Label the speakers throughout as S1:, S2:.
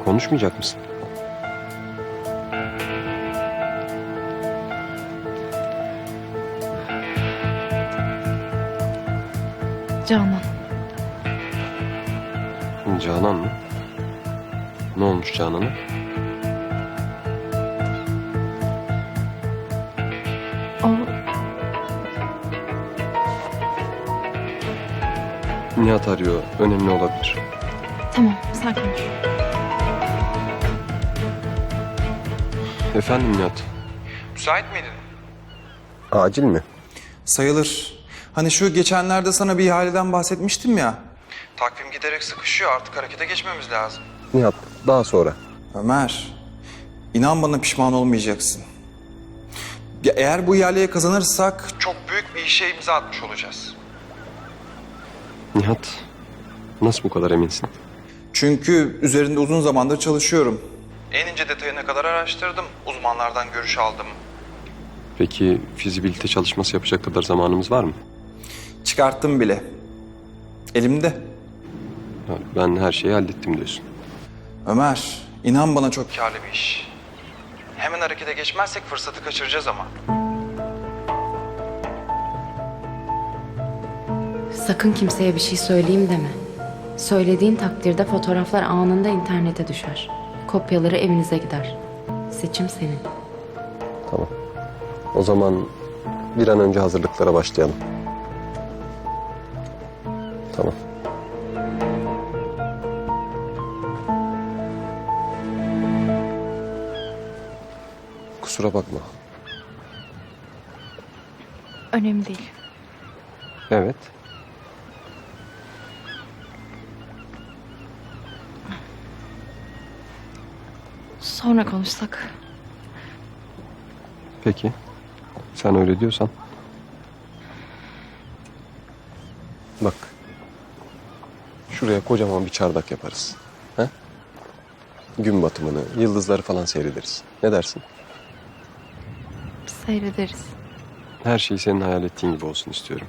S1: Konuşmayacak mısın?
S2: Canan.
S1: Canan mı? Ne olmuş Canan'a?
S2: O
S1: Nihat arıyor. Önemli olabilir.
S2: tamam, sen konuş.
S1: Efendim Nihat?
S3: Müsait miydin?
S1: Acil mi?
S3: Sayılır. Hani şu geçenlerde sana bir ihaleden bahsetmiştim ya. Takvim giderek sıkışıyor, artık harekete geçmemiz lazım.
S1: Nihat, daha sonra.
S3: Ömer, inan bana pişman olmayacaksın. Ya eğer bu ihaleye kazanırsak çok büyük bir işe imza atmış olacağız.
S1: Nihat, nasıl bu kadar eminsin?
S3: Çünkü üzerinde uzun zamandır çalışıyorum. En ince detayına kadar araştırdım, uzmanlardan görüş aldım.
S1: Peki fizibilite çalışması yapacak kadar zamanımız var mı?
S3: Çıkarttım bile. Elimde.
S1: Ha, ben her şeyi hallettim diyorsun.
S3: Ömer, inan bana çok karlı bir iş. Hemen harekete geçmezsek fırsatı kaçıracağız ama.
S4: Sakın kimseye bir şey söyleyeyim deme. Söylediğin takdirde fotoğraflar anında internete düşer. Kopyaları evinize gider. Seçim senin.
S1: Tamam. O zaman bir an önce hazırlıklara başlayalım. Tamam. Kusura bakma.
S2: Önemli değil.
S1: Evet.
S2: Sonra konuşsak.
S1: Peki. Sen öyle diyorsan. Bak. Şuraya kocaman bir çardak yaparız. He? Gün batımını, yıldızları falan seyrederiz. Ne dersin?
S2: Seyrederiz.
S1: Her şey senin hayal ettiğin gibi olsun istiyorum.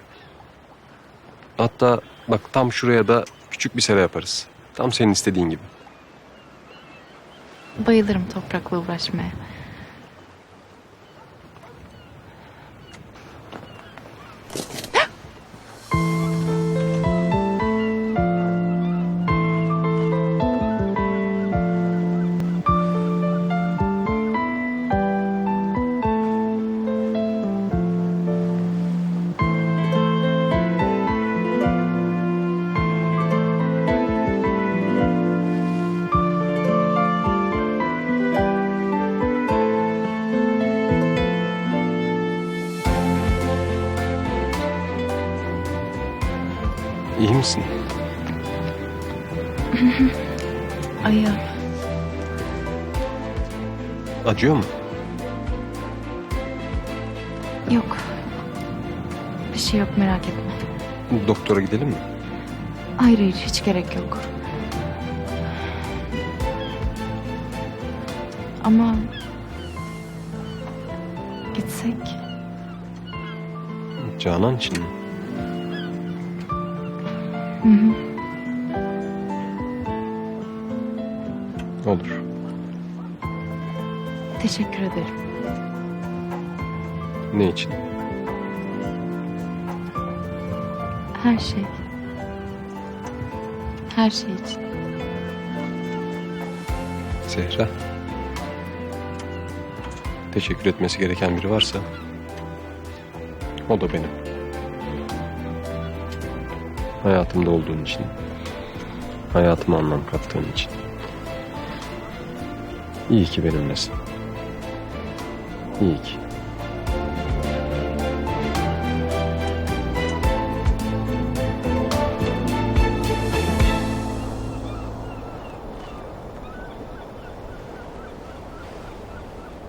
S1: Hatta bak tam şuraya da küçük bir sera yaparız. Tam senin istediğin gibi.
S2: Bayılırım toprakla uğraşmaya.
S1: İyi misin?
S2: Ayağım.
S1: Acıyor mu?
S2: Yok. Bir şey yok, merak etme.
S1: Doktora gidelim mi?
S2: Hayır hayır, hiç gerek yok. Ama gitsek
S1: Canan için mi?
S2: hı hı.
S1: Olur.
S2: Teşekkür ederim.
S1: Ne için?
S2: Her şey. Her şey için.
S1: Zehra. Teşekkür etmesi gereken biri varsa o da benim. Hayatımda olduğun için, hayatıma anlam kattığın için. İyi ki benimlesin. İyi ki.